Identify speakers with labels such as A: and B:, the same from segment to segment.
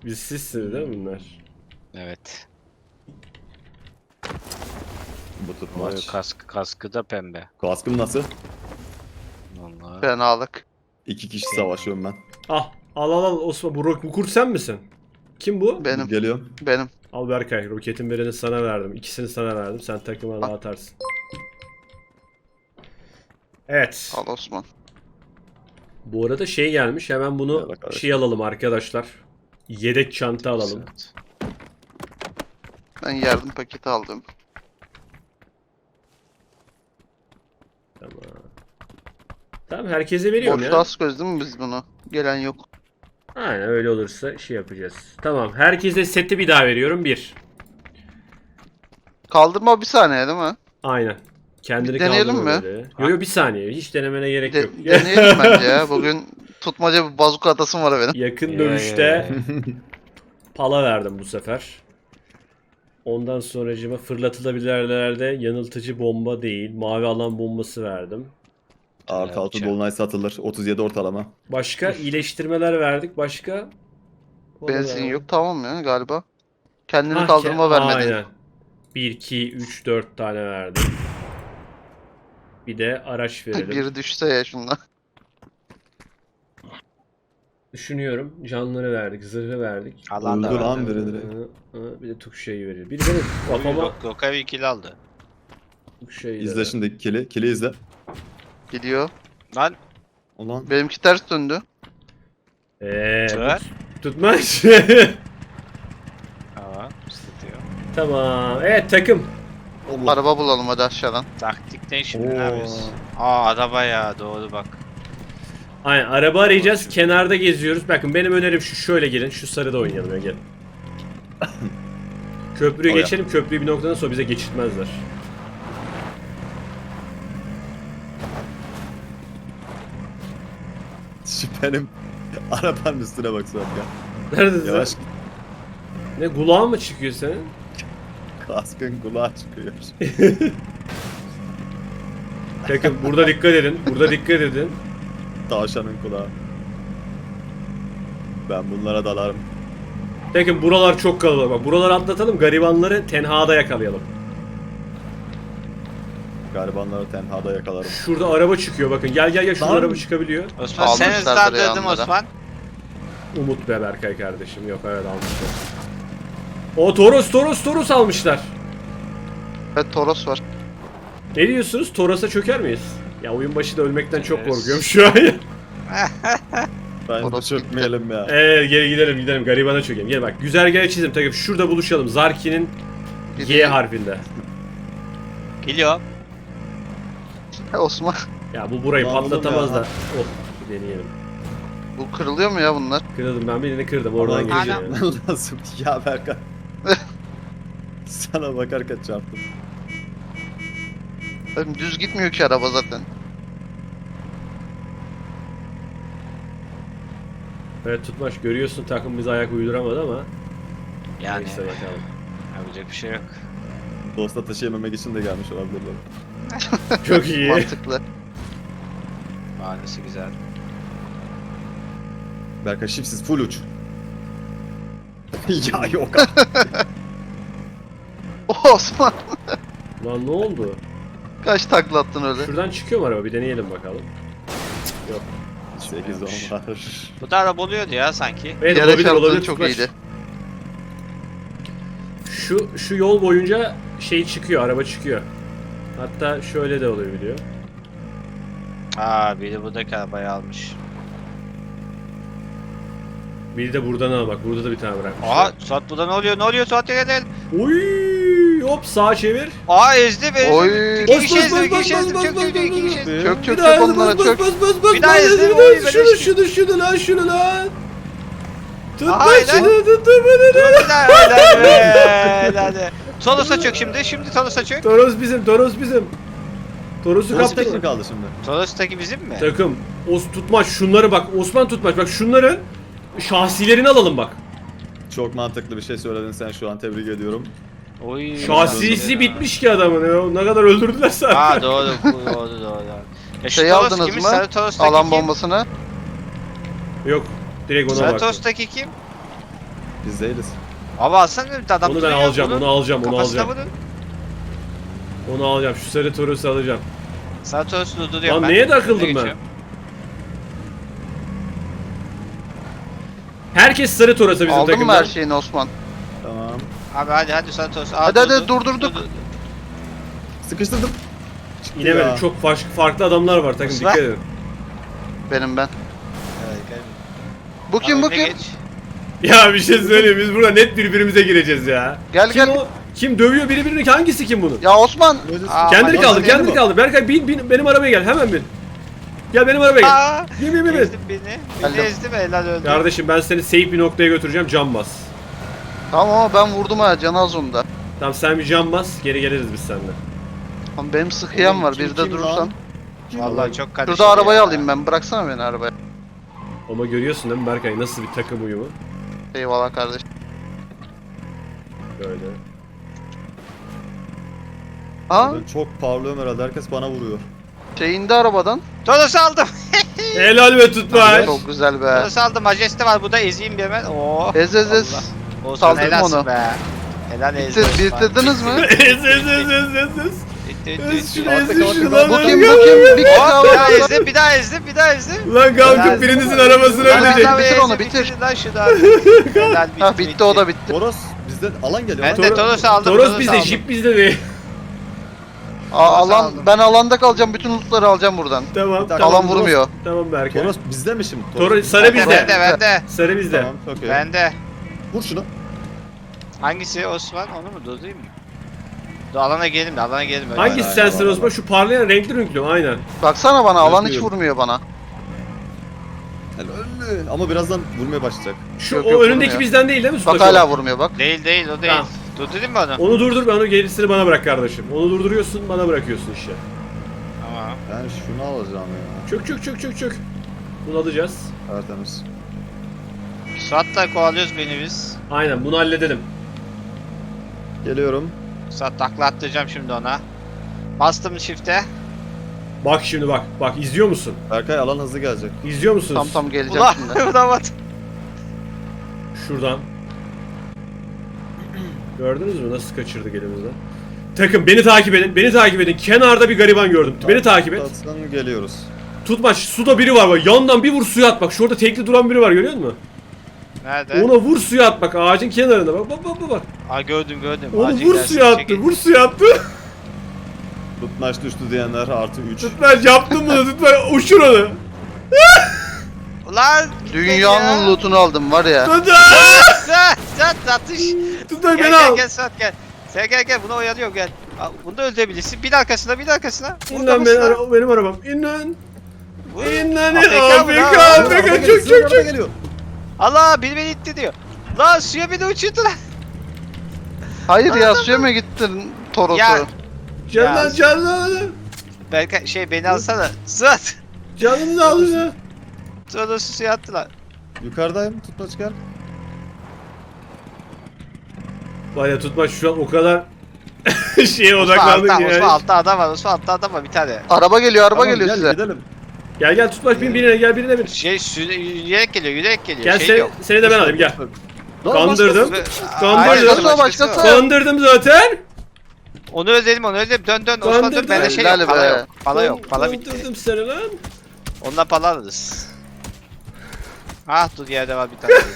A: Biz sizsiniz değil mi bunlar?
B: Evet.
C: Bu tutmaç.
B: Kaskı da pembe.
C: Kaskım nasıl?
B: Vallahi.
D: Fenalık.
C: 2 kişi savaşıyorum ben.
A: Ah al Osman, bu kurt sen misin? Kim bu?
D: Benim.
C: Geliyorum.
D: Benim.
A: Al Berkay, roketin birini sana verdim. İkisini sana verdim. Sen takıma dağıtarsın. Evet.
D: Al Osman.
A: Bu arada şey gelmiş. Hemen bunu
C: Gel arkadaşlar.
A: şey alalım arkadaşlar. Yedek çanta alalım.
B: Evet.
D: Ben yardım paketi aldım.
A: Tamam. Tamam, herkese veriyorum
D: Boş
A: ya.
D: ras göz değil mi biz bunu? Gelen yok.
A: Aynen, öyle olursa şey yapacağız. Tamam, herkese seti bir daha veriyorum. 1.
D: Kaldırma bir saniye değil mi?
A: Aynen. Kendini
D: Bir deneyelim
A: kaldırma
D: mi?
A: böyle. Yo bir saniye. Hiç denemene gerek yok.
D: Deneyelim bence ya. Bugün tutmaca bir bazuka atasım var benim.
A: Yakın
B: Ya,
A: dövüşte
B: ya, ya.
A: pala verdim bu sefer. Ondan sonracıma fırlatılabilirlerde yanıltıcı bomba değil, mavi alan bombası verdim.
C: Artı 6 dolunay satılır. 37 ortalama.
A: Başka iyileştirmeler verdik. Başka?
D: Benzin yok tamam ya galiba. Kendini
A: Ah,
D: kaldırma vermedin.
A: Aynen. 1, 2, 3, 4 tane verdim. Bir de araç verelim.
D: Biri düşse ya şundan.
A: Düşünüyorum. Canları verdik, zırhı verdik.
B: Alan da
C: Öldü
B: var.
C: lan biri direkt.
A: Bir de tukşayı veriyor. Biri benim kafama
B: Gökay ikili aldı.
A: tukşayı
C: İzle şimdi kili. Kili izle.
D: Gidiyor.
B: Lan
C: Ulan.
D: Benimki ters döndü.
B: Ver.
A: Tutmaç.
B: Aa, ısıtıyor.
A: Tamam. Evet takım.
C: Allah.
D: Araba bulalım hadi aşağıdan.
B: Taktik ne şimdi,
C: Oo.
B: ne yapıyoruz? Aa, araba ya, doğru bak.
A: Aynen, araba arayacağız. Kenarda geziyoruz. Bakın benim önerim şu, şöyle gelin. Şu sarıda oynayalım ya, gelin. Köprüyü
C: Oraya.
A: geçelim. Köprüyü bir noktadan sonra bize geçirtmezler.
C: Benim arabanın üstüne bak Suat ya.
A: Neredesin?
C: Yavaş
A: Ne, kulağın mı çıkıyor senin?
C: kaskın kulağa çıkıyor.
A: Bakın burada dikkat edin. Burada dikkat edin.
C: Tavşanın kulağı. Ben bunlara dalarım.
A: Bakın buralar çok kalabalık. Bak, buraları atlatalım. Garibanları tenhada yakalayalım.
C: Garibanları tenhada yakalarım.
A: Şurada araba çıkıyor bakın. Gel şurada
C: Lan.
A: araba çıkabiliyor.
B: Osman sen
D: Almışlardır ya
B: ıslandırdın
D: onlara.
B: Osman.
A: Umut be Berkay kardeşim. Yok, evet almışlar. O Toros almışlar.
D: Evet Toros var.
A: Ne diyorsunuz? Toros'a çöker miyiz? Ya oyun başı da ölmekten çok
B: Çökeriz.
A: korkuyorum şu an ya.
C: Bence
D: Orası
C: çökmeyelim ya.
A: Gel gidelim. Garibana çökelim. Gel bak, güzergahı çizdim. Takip şurada buluşalım. Zarki'nin
D: Biri-
A: Y harfinde.
B: Geliyor.
D: Osman.
A: Ya bu burayı
C: Lan oğlum
A: patlatamaz
C: ya.
A: da. Oh, bir deneyelim.
D: Bu kırılıyor mu ya bunlar?
A: Kırdım, ben birini kırdım. Oradan
C: Aman
A: gireceğim.
B: Anam.
A: Yani.
C: lazım ya Berkan. Sana bakarken çarptım.
D: Oğlum düz gitmiyor ki araba zaten.
A: Evet Tutmaş, görüyorsun takım bize ayak uyduramadı ama.
B: Yani
A: Neyse bakalım.
B: yapacak bir şey yok.
C: Dosta taşıyamamak için de gelmiş olabilirler.
A: Çok iyi.
D: Mantıklı.
B: Mahallesi güzel.
C: Berkan şipsiz full uç. Ya yok artık.
D: Osman.
A: Lan ne oldu?
D: Kaç takla attın öyle?
A: Şuradan çıkıyor mu araba? Bir deneyelim bakalım. Yok.
C: 8 10 var.
B: Bu da araba oluyordu ya sanki.
A: Evet,
D: Yere
A: olabilir
D: çarptığın
A: olabilir
D: çok
A: Tutmaç.
D: iyiydi.
A: Şu yol boyunca şey çıkıyor, araba çıkıyor. Hatta şöyle de olabiliyor.
B: Aa, biri buradaki arabayı almış.
A: Biri de buradan al bak, burada da bir tane bırakmış.
B: Aha, Suat burada ne oluyor? Ne oluyor Suat, gel.
A: Uy, hop sağa çevir.
B: Aa, ezdi beni.
D: Oy.
B: İki kişi ezdim, iki kişi ezdim. Çök, iki kişi ezdim.
D: Çök
A: Bir
D: çök
A: daha
D: çök onlara çök.
B: Bir daha ezdim, oy, ben eşkim.
A: Şunu lan. Tutma
B: Aha, helal.
A: şunu, tutma
B: Dur,
A: beni.
B: bir daha, helal be, helal. Toros'a çök şimdi. Şimdi Toros'a çök.
A: Toros bizim. Toros'u
C: Nasıl
A: kaptın.
C: mi kaldı şimdi?
B: Toros'taki bizim mi?
A: Takım. Tutmaç şunları bak. Osman Tutmaç bak, şunların şahsilerini alalım bak.
C: Çok mantıklı bir şey söyledin sen şu an, tebrik ediyorum.
B: Oy.
A: Şahsisi bitmiş ki adamın ya. Ne kadar öldürdüler zaten.
B: Aa, doğru. Ya şu
D: Şey
B: Toros
D: aldınız
B: kimin?
D: mı?
B: Sarı Toros'taki
D: Alan
B: kim?
D: bombasını.
A: Yok. Direkt ona
B: Sarı
A: bak.
B: Toros'taki kim?
C: Biz değiliz.
B: Abi alsana bir adam
A: Onu ben
B: duruyor,
A: alacağım,
B: bunun
A: onu alacağım, onu
B: kafasına
A: alacağım.
B: vurun.
A: Onu alacağım. Şu sarı Toros'u alacağım.
B: Sana Toros'u durduruyorum
A: Lan
B: ben.
A: neye takıldım
B: Önüne
A: ben?
B: geçiyorum.
A: Herkes sarı Toros'a bizim
D: Aldın mı
A: takımdan.
D: her şeyini Osman?
C: Tamam.
B: Abi hadi sana Toros'u.
D: Hadi, hadi, durdurduk.
C: Sıkıştırdım. Çıktı
A: İnemedim.
C: ya.
A: Çok farklı adamlar var takım.
B: Osman.
A: Dikkat edin.
D: Benim ben.
B: Evet, gel.
D: Bu kim bu
B: Abi, önüne
D: kim?
B: geç.
A: Ya bir şey söyleyeyim. Biz burada net birbirimize gireceğiz ya.
D: Gel
A: Kim
D: gel.
A: o? Kim dövüyor birbirini? Hangisi kim bunu?
D: Ya Osman.
B: Aa,
A: Kendini
B: bak,
A: kaldır,
B: bak,
A: kendini kaldır. Berkay bin benim arabaya gel. Hemen bin. Gel benim arabaya gel.
B: Aa,
A: Bin.
B: ezdim beni. Beni
D: Geldim.
B: ezdim helal öldü.
A: Kardeşim ben seni safe bir noktaya götüreceğim. Cam bas.
D: Tamam ama ben vurdum ha canı az onda.
A: Tamam sen bir cam bas. Geri geliriz biz seninle.
D: Ama benim sıkıyan var.
C: Kim-
D: Bir de
C: kim
D: durursan.
C: lan?
B: Vallahi çok kardeşim.
D: Şurada arabayı
B: ya.
D: alayım ben. Bıraksana beni arabaya.
A: Ama görüyorsun değil mi Berkay nasıl bir takım uyumu?
D: Eyvallah kardeş.
A: Böyle.
D: Ha?
C: Ben çok parlıyorum herhalde. Herkes bana vuruyor.
D: Şey indi arabadan.
B: Toros'u aldım.
A: Helal be tutmaç.
D: Çok güzel be.
B: Toros'u aldım. Majeste var burada ezeyim bir hemen. Oo.
D: Ez ez ez.
B: Olsun
D: Saldırdım
B: helalsin
D: onu.
B: be. Helal ezdim.
D: Bitirdiniz mi?
A: Ez. Ez şunu
C: Artık
A: ez
C: artık
A: şunu
C: ben-
A: lan.
D: Bu
A: lan,
D: kim bu
A: gel.
D: kim? Bir kişi
B: Hop
D: daha
B: bir daha
D: var.
B: ezdim bir daha ezdim bir daha ezdim.
A: Lan kalkıp
B: Helal.
A: birinizin arabasını
D: Hadi
A: ölecek.
D: bitir, bitir onu,
B: Ezdim,
D: bitir.
B: Lan şunu abi. Helal bitti.
D: Ha bitti o da bitti.
C: Toros bizden alan geliyor.
B: Ben
C: lan.
B: de Toros'u aldım.
A: Toros
B: Toros'u
A: bizde,
B: aldım.
A: jip bizde değil.
D: Alan
B: aldım.
D: ben alanda kalacağım. Bütün lootları alacağım buradan.
A: Tamam,
C: Bir dakika.
A: tamam.
D: Alan vurmuyor.
A: Tamam Berkay.
C: Toros bizde mi şimdi?
A: Toros sarı
B: Bende,
A: bizde.
B: bende.
A: Sarı bizde.
C: Tamam çok iyi.
B: Bende.
C: Vur şunu.
B: Hangisi Osman? Onu mu durdurayım mı? Dur alana gelelim de alana gelelim. öyle.
A: Hangisi
C: Hayır,
A: sensin
C: hayır,
A: Osman? Şu parlayan renkli renkli mi? Aynen.
D: Baksana bana alan hiç
C: Özlüyorum.
D: vurmuyor bana.
C: Helal. Ama birazdan vurmaya başlayacak.
A: Şu
D: Yok,
A: o
D: yok,
A: önündeki
D: vurmuyor.
A: bizden değil mi?
D: Bak
A: Sütaş
D: hala
A: olan?
D: vurmuyor bak.
B: Değil değil o değil.
A: Tamam.
B: Durdurayım mı onu?
A: Onu durdur, ben onu gerisini bana bırak kardeşim. Onu durduruyorsun, bana bırakıyorsun işte.
B: Tamam.
C: Ben şunu alacağım ya.
A: Çök. Bunu alacağız.
C: Tertemiz.
B: Suat'la kovalıyoruz beni biz.
A: Aynen, bunu halledelim.
C: Geliyorum.
B: Suat takla attıracağım şimdi ona. Bastım shift'e.
A: Bak şimdi bak. Bak izliyor musun?
C: Berkay alan hızlı gelecek.
A: İzliyor musunuz?
D: Tam geleceğim
B: Ulan
D: şimdi.
B: vuramadım.
A: Şuradan. Gördünüz mü nasıl kaçırdık elimizden? Takım beni takip edin. Beni takip edin. Kenarda bir gariban gördüm. Beni takip et.
C: Tatsan geliyoruz.
A: Tutmaç, suda biri var bak. Yandan bir vur suya at bak. Şurada tekli duran biri var, görüyor musun?
B: Nerede?
A: Ona vur suya at bak. Ağacın kenarında bak. Bak.
B: Aa gördüm.
A: Onu
B: Acil
A: vur
B: dersin,
A: suya attı.
B: çekil.
A: Vur suya attı.
C: Tutmaç düştü diyenler artı 3.
A: Tutmaç yaptın bunu. Tutmaç uçur onu.
B: Ulan
D: Dünyanın lootunu aldım var ya.
A: Tutmaç.
B: Suat atış.
A: Tutmaç
B: Gel
A: beni al.
B: gel Suat gel. Sen gel bunu oyalıyorum gel. Aa, bunu da öldürebilirsin. Bir arkasına.
A: İn lan benim arabam. İn lan. İn lan.
B: AFK mı lan?
A: AFK. Çök.
C: Geliyor.
B: Allah beni itti diyor. Lan suya beni uçurdu lan.
D: Hayır ya suya mı gittin Toros'u?
B: Ya.
A: Canlan.
B: Belki beni alsana. Suat.
A: Canını al ya.
B: Sonra suya attılar.
C: Yukarıdayım. Tutmaç gel.
A: Var ya Tutmaç şu an o kadar şeye
B: Osman
A: odaklandık
B: altta,
A: yani.
B: Osman altta adam var. Osman altta adam var bir tane.
D: Araba geliyor
C: Tamam,
D: geliyor
C: gel,
D: size.
C: Gidelim.
A: Gel Tutmaç birine gel birine bin.
B: Yürüyerek geliyor.
A: Gel
B: Şey yok.
A: seni de ben alayım gel.
C: Lan
A: Kandırdım.
B: Aa,
A: Kandırdım.
B: hayır,
D: Başkası o,
B: başkası
D: başkası.
A: Kandırdım zaten.
B: Onu özledim. Dön. Osman
A: Kandırdım.
B: dön. Bende şey
D: Helal
B: yok.
D: be.
B: Pala yok. Pala bitti.
A: Kandırdım seni lan.
B: Onunla pala alırız. Ah dur yerde var bir tane.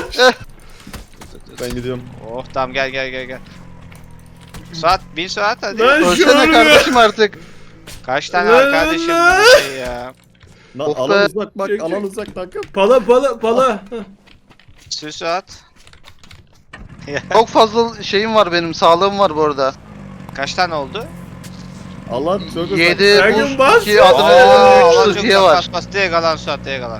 C: Ben gidiyorum.
B: Oh tamam gel. Suat 1000 saat hadi.
A: Lan şu
D: Ölsene
A: an
D: kardeşim artık.
B: Kaç tane
A: Lan,
B: var kardeşim
A: lan.
B: bu şey ya.
C: Lan
D: Of
C: alan
D: be.
C: uzak bak
A: Çek,
C: alan
A: çek.
C: uzak takım.
A: Pala. Hah.
B: Sür Suat.
D: Çok fazla şeyim var benim. Sağlığım var bu arada.
B: Kaç tane oldu?
C: Alan çok uzak.
D: 7
A: Ergun bas.
D: buz, 2
B: Aa,
D: adrenalin, 3
B: çok
D: sıhhiye var.
B: Bas direkt alan Suat direkt alan.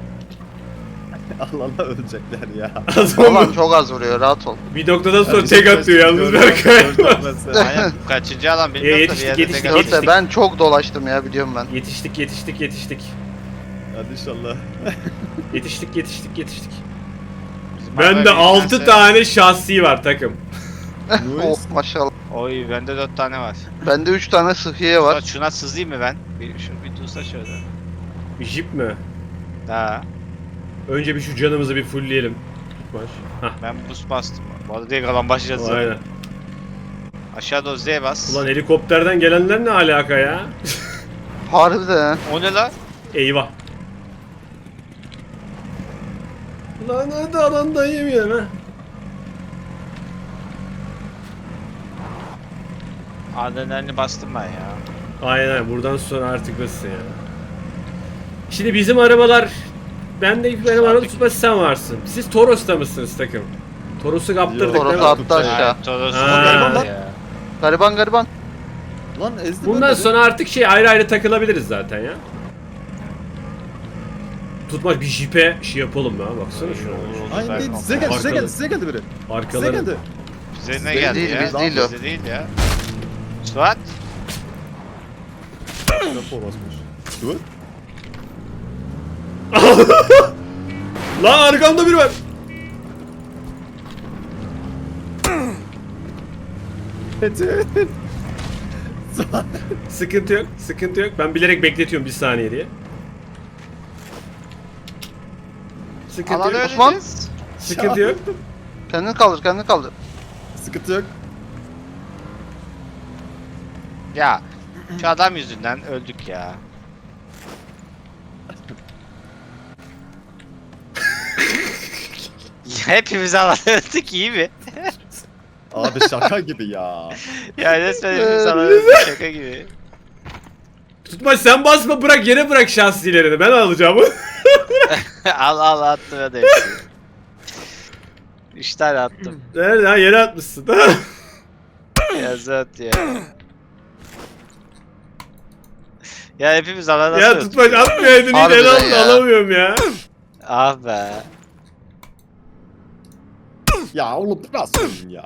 C: Alana ölecekler ya.
D: Alan çok az vuruyor rahat ol.
A: Bir noktadan sonra tek atıyor yalnız Berkay.
B: Aynen kaçıncı alan bilmiyorum da bir yerde
A: yetiştik,
B: tek
A: yetiştik.
B: alan.
D: Dörtte ben çok dolaştım ya biliyorum ben.
A: Yetiştik.
C: Hadi inşallah.
A: Yetiştik.
B: Bizim
A: Bende
B: araba
A: 6
B: bilmezse-
A: tane şahsi var takım.
D: Oh maşallah.
B: Oy bende 4 tane var.
D: Bende 3 tane sıhhiye var.
B: Suat şuna sızayım mı ben? Bir dursa şöyle.
A: Bir jip mi?
B: Daha.
A: Önce bir şu canımızı bir fullleyelim. tutmaç. Hah.
B: Ben boost bastım. Bu arada direkt alan başlayacağız. zaten.
A: Aynen.
B: Aşağı doğru Z'ye bas.
A: Ulan helikopterden gelenler ne alaka ya?
D: Harbiden.
B: O ne lan?
A: Eyvah. Lan hadi alandayım ya ha.
B: Adrenalini bastım ben ya.
A: Aynen buradan sonra artık nasıl ya. Şimdi bizim arabalar benim araba tutması sen varsın. Siz Toros'ta mısınız takım? Toros'u kaptırdık
C: Yok,
A: değil mi?
D: Toros attı
C: Tutacak.
D: aşağı.
B: Toros.
A: Ha.
B: Ya.
D: Gariban gariban.
C: Lan ezdi
A: Bundan
C: beni.
A: sonra artık şey ayrı ayrı takılabiliriz zaten ya. Tutmak bir jipe şey yapalım ya baksana şuna.
C: Aynen değil. Size geldi, size geldi, size geldi biri. Size
A: Arkaları.
C: geldi.
B: Bize ne
D: Biz
B: geldi
D: değil,
B: ya?
D: biz değil o.
B: Bize değil ya. Suat.
C: Rapor basmış. Dur.
A: Lan arkamda biri var.
C: Metin.
A: Sıkıntı yok, sıkıntı yok. Ben bilerek bekletiyorum bir saniye diye. Sıkıntı
B: Alanı
A: yok.
D: Osman.
B: öleceğiz.
A: Sıkıntı yok.
D: Kendini kaldır kendini kaldır.
C: Sıkıntı yok.
B: Ya. Şu adam yüzünden öldük ya. Hepimiz alan öldük iyi mi?
C: Abi şaka gibi ya.
B: Ya resmen hepimiz alan öldük şaka gibi.
A: Tutma sen basma bırak yere bırak şahsilerini ben alacağım.
B: al attım hadi hepsini. 3 tane attım.
A: Nerede ha yere atmışsın.
B: Ya Zat ya. Ya hepimiz alana
A: Ya
B: nasıl
A: tutma
B: öldük ya?
A: atmayaydın hiç
D: Harbiden
A: el aldı
D: ya.
A: alamıyorum ya.
B: Ah be.
C: Ya oğlum bu nasıl oyun ya?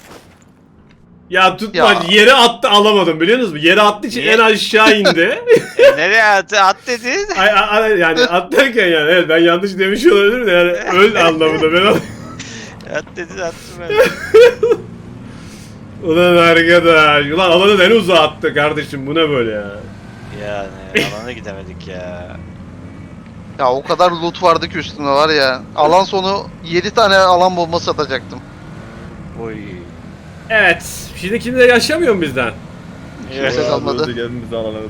A: Ya tutma
D: Ya.
A: yere attı alamadım biliyor musunuz? Yere attığı için
B: Niye?
A: en aşağı indi.
B: Nereye attı? At dedin.
A: Yani at derken yani evet ben yanlış demiş olabilirim de yani öl anlamında ben
B: At dedin attım ben.
A: Ulan arkadaş ulan alanı en uzağa attı kardeşim bu ne böyle ya.
B: Yani alana gidemedik ya.
D: Ya o kadar loot vardı ki üstünde var ya. Alan sonu 7 tane alan bombası atacaktım.
B: Oy.
A: Evet şimdi kimse yaşamıyor mu bizden?
D: Kimse
C: Abi
D: kalmadı.
C: öldük, hepimiz alamadık.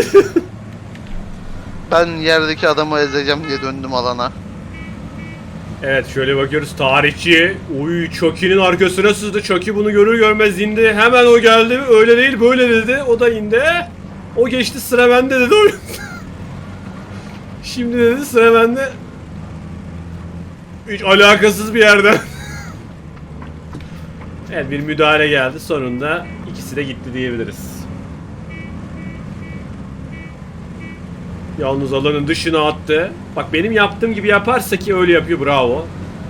D: Ben yerdeki adamı ezeceğim diye döndüm alana.
A: Evet şöyle bakıyoruz tarihçi. Uy Chucky'nin arkasına sızdı. Chucky bunu görür görmez indi. Hemen o geldi. Öyle değil böyle dedi. O da indi. O geçti sıra bende dedi. Şimdi dedi sıra bende. Hiç alakasız bir yerden. Evet bir müdahale geldi. Sonunda ikisi de gitti diyebiliriz. Yalnız alanın dışına attı. Bak benim yaptığım gibi yaparsa ki öyle yapıyor bravo.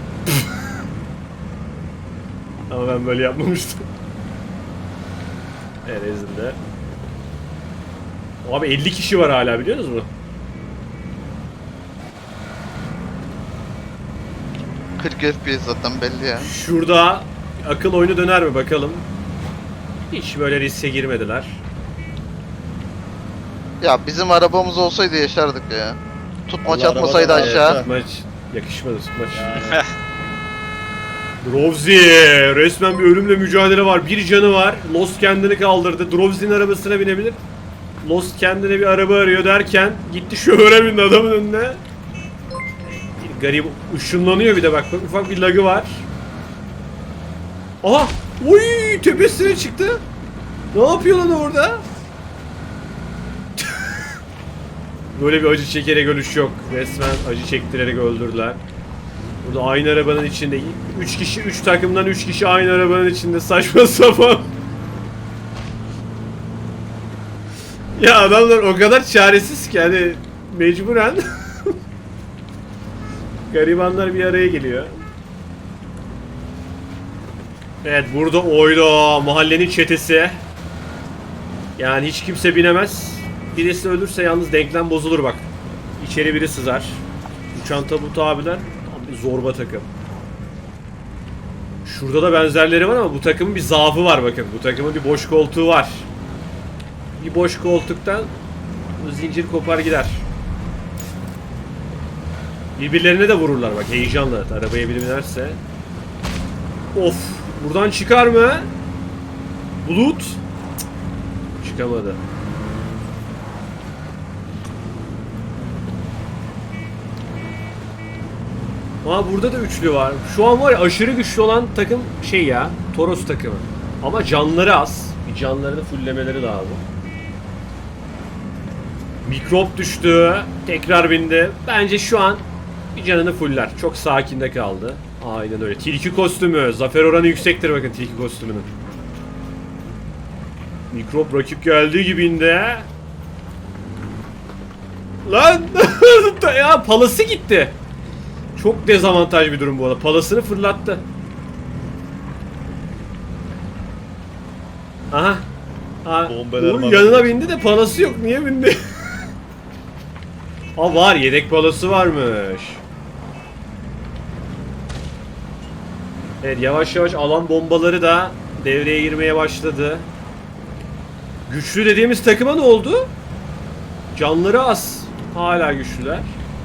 A: Ama ben böyle yapmamıştım. Evet ezildi. Abi 50 kişi var hala biliyor musunuz?
D: 40 FPS zaten belli ya.
A: Şurada akıl oyunu döner mi bakalım. Hiç böyle riske girmediler.
D: Ya bizim arabamız olsaydı yaşardık ya. Tutmaç
C: Allah
D: atmasaydı
C: arabadan
D: aşağı.
C: yeter.
A: Maç yakışmadı maç.
C: Ya.
A: Drovzi resmen bir ölümle mücadele var. Bir canı var. Lost kendini kaldırdı. Drovzi'nin arabasına binebilir. Lost kendine bir araba arıyor derken gitti şoföre bindi adamın önüne. Bir garip ışınlanıyor bir de bak ufak bir lagı var. Aha! Oy! Tepesine çıktı. Ne yapıyor lan orada? Böyle bir acı çekerek ölüş yok. Resmen acı çektirerek öldürdüler. Burada aynı arabanın içinde 3 kişi 3 takımdan 3 kişi aynı arabanın içinde saçma sapan. Ya adamlar o kadar çaresiz ki hani mecburen garibanlar bir araya geliyor. Evet burada oyda mahallenin çetesi. Yani hiç kimse binemez. Birisi ölürse yalnız denklem bozulur bak. İçeri biri sızar. Uçan tabut abiler tam bir zorba takım. Şurada da benzerleri var ama bu takımın bir zaafı var bakın. Bu takımın bir boş koltuğu var. Bir boş koltuktan zincir kopar gider. Birbirlerine de vururlar bak heyecanla. Arabaya biri binerse. Of. Buradan çıkar mı? Bulut. Cık, çıkamadı. Aa burada da üçlü var. Şu an var ya aşırı güçlü olan takım şey ya. Toros takımı. Ama canları az. Bir canlarını fulllemeleri lazım. Mikrop düştü. Tekrar bindi. Bence şu an bir canını fuller. Çok sakinde kaldı. Aynen öyle. Tilki kostümü. Zafer oranı yüksektir bakın tilki kostümünün. Mikrop rakip geldiği gibi indi. Lan! Ya palası gitti. Çok dezavantaj bir durum bu arada. Palasını fırlattı. Aha.
C: Bombeler
A: Uğur
C: var.
A: yanına bindi de palası yok. Niye bindi? Aa var. Yedek palası varmış. Evet yavaş yavaş alan bombaları da devreye girmeye başladı. Güçlü dediğimiz takıma ne oldu? Canları az. Hala güçlüler.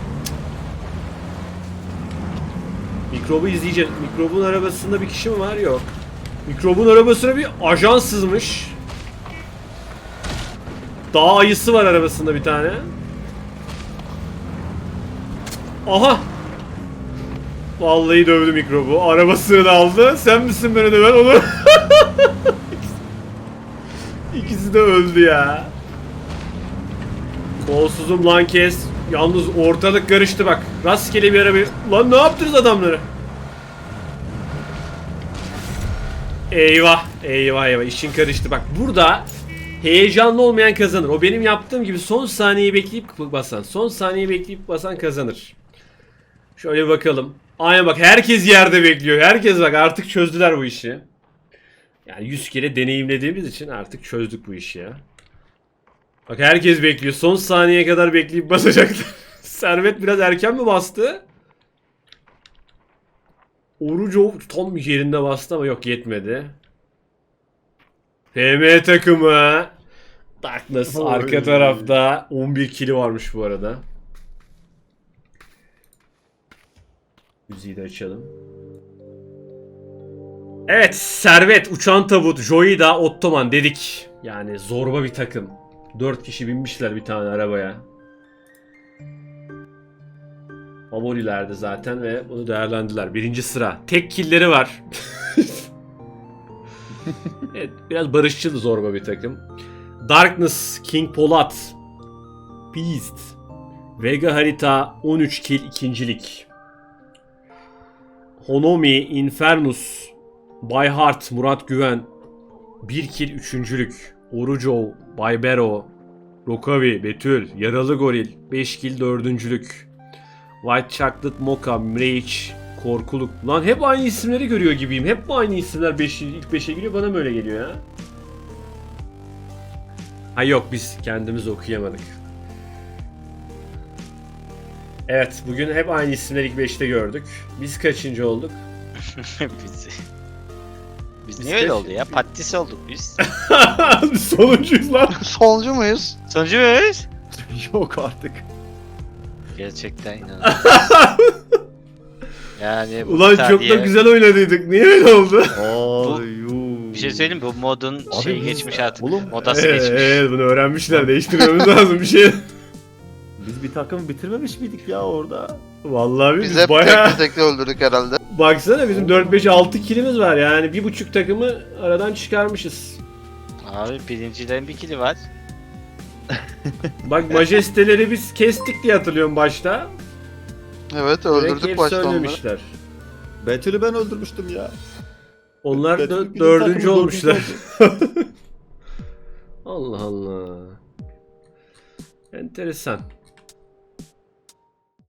A: Mikrobu izleyeceğiz. Mikrobun arabasında bir kişi mi var? Yok. Mikrobun arabasına bir ajan sızmış. Dağ ayısı var arabasında bir tane. Aha! Vallahi dövdü mikrobu. Arabasını da aldı. Sen misin beni döven onu? İkisi de öldü ya. Kolsuzum lan kes. Yalnız ortalık karıştı bak. Rastgele bir araba. Lan ne yaptınız adamları? Eyvah. Eyvah eyvah. İşin karıştı. Bak burada heyecanlı olmayan kazanır. O benim yaptığım gibi son saniyeyi bekleyip basan. Son saniyeyi bekleyip basan kazanır. Şöyle bir bakalım. Aynen bak herkes yerde bekliyor. Herkes bak artık çözdüler bu işi. Yani 100 kere deneyimlediğimiz için artık çözdük bu işi ya. Bak herkes bekliyor. Son saniyeye kadar bekleyip basacaklar. Servet biraz erken mi bastı? Orucu tam yerinde bastı ama yok yetmedi. PM takımı. Darkness arka tarafta. 11 kili varmış bu arada. Müziği de açalım. Evet Servet, Uçan Tabut, Joyda, Ottoman dedik. Yani zorba bir takım. 4 kişi binmişler bir tane arabaya. Favorilerdi zaten ve bunu değerlendiler. Birinci sıra. Tek killleri var. Evet, biraz barışçıl zorba bir takım. Darkness, King Polat, Beast, Vega harita 13 kill ikincilik. Honomi, Infernus, By Heart, Murat Güven 1 kill üçüncülük. Orucov, Baybero, Rokavi, Betül, Yaralı Goril 5 kill dördüncülük. White Chocolate Mocha, Rage, Korkuluk. Lan hep aynı isimleri görüyor gibiyim. Hep aynı isimler ilk 5'e giriyor. Bana mı öyle geliyor ya? Ha yok biz kendimiz okuyamadık. Evet bugün hep aynı isimleri ilk 5'te gördük. Biz kaçıncı olduk?
B: Biz niye öyle oldu ya? Patatesi olduk biz.
A: Sonuncuyuz lan.
D: Sonuncu muyuz?
B: Sonucu muyuz?
C: Yok artık.
B: Gerçekten inanılmaz. Yani bu
A: Ulan çok da güzel oynadıydık. Niye öyle oldu?
B: Bir şey söyleyeyim mi? Bu modun
C: Abi
B: şeyi
C: biz-
B: geçmiş artık.
C: Oğlum,
B: Modası geçmiş.
A: Evet bunu öğrenmişler. Değiştirmemiz lazım bir şey.
C: Biz bir takım bitirmemiş miydik ya orada?
A: Vallahi
D: Biz
A: biz
D: hep
A: bayağı...
D: tekli öldürdük herhalde.
A: Baksana bizim 4-5-6 kilimiz var yani. 1,5 takımı aradan çıkarmışız.
B: Abi birincilerin bir kili var.
A: Bak majesteleri biz kestik diye hatırlıyorum başta.
D: Evet
A: Direkt
D: öldürdük
A: hepsi
D: başta onları.
A: ölmemişler.
C: Betül'ü ben öldürmüştüm ya.
A: Onlar
C: Betül bizim
A: dördüncü
C: takımın
A: olmuşlar.
C: dördüncü
A: Allah Allah. Enteresan.